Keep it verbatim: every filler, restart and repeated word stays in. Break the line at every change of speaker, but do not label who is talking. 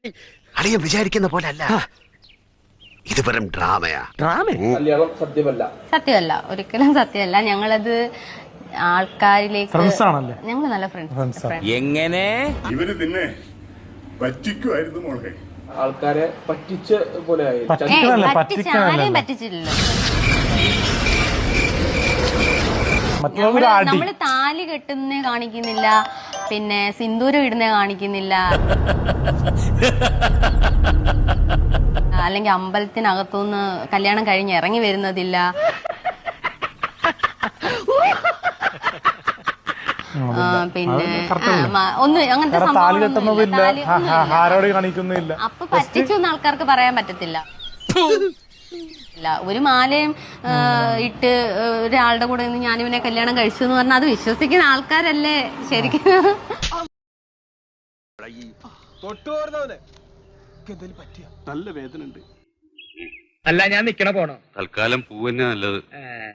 അളിയൻ വിചാരിക്കുന്ന പോലെ അല്ല, ഇത് വെറും ഡ്രാമയാ.
കല്യാണം സത്യമല്ല.
സത്യമല്ല, ഒരിക്കലും സത്യമല്ല. ഞങ്ങളത് ആൾക്കാരിലേക്ക് ഞങ്ങൾ നല്ല ഫ്രണ്ട്സ്.
എങ്ങനെ
ഇവര് പിന്നെ പറ്റിക്കുമായിരുന്നു മോളെ.
ആൾക്കാരെ പറ്റിച്ച പോലെ ആയി.
പറ്റിച്ച ആരെയും പറ്റിച്ചില്ലല്ലോ. നമ്മള് താലി കെട്ടുന്നേ കാണിക്കുന്നില്ല, പിന്നെ സിന്ദൂരം ഇടുന്നേ കാണിക്കുന്നില്ല, അല്ലെങ്കിൽ അമ്പലത്തിനകത്തുനിന്ന് കല്യാണം കഴിഞ്ഞ് ഇറങ്ങി വരുന്നതില്ല. പിന്നെ ഒന്നും അങ്ങനത്തെ സംഭവം അപ്പൊ പറ്റിച്ചു എന്ന് ആൾക്കാർക്ക് പറയാൻ പറ്റത്തില്ല. ഒരു മാലയും ഇട്ട് ഒരാളുടെ കൂടെ നിന്ന് ഞാനിവനെ കല്യാണം കഴിച്ചു എന്ന് പറഞ്ഞാൽ അത് വിശ്വസിക്കുന്ന ആൾക്കാരല്ലേ ശരിക്കും.
നല്ല വേദന ഉണ്ട്.
അല്ല, ഞാൻ നിക്കണ പോണോ?
തൽക്കാലം പൂവന്നെ നല്ലത്.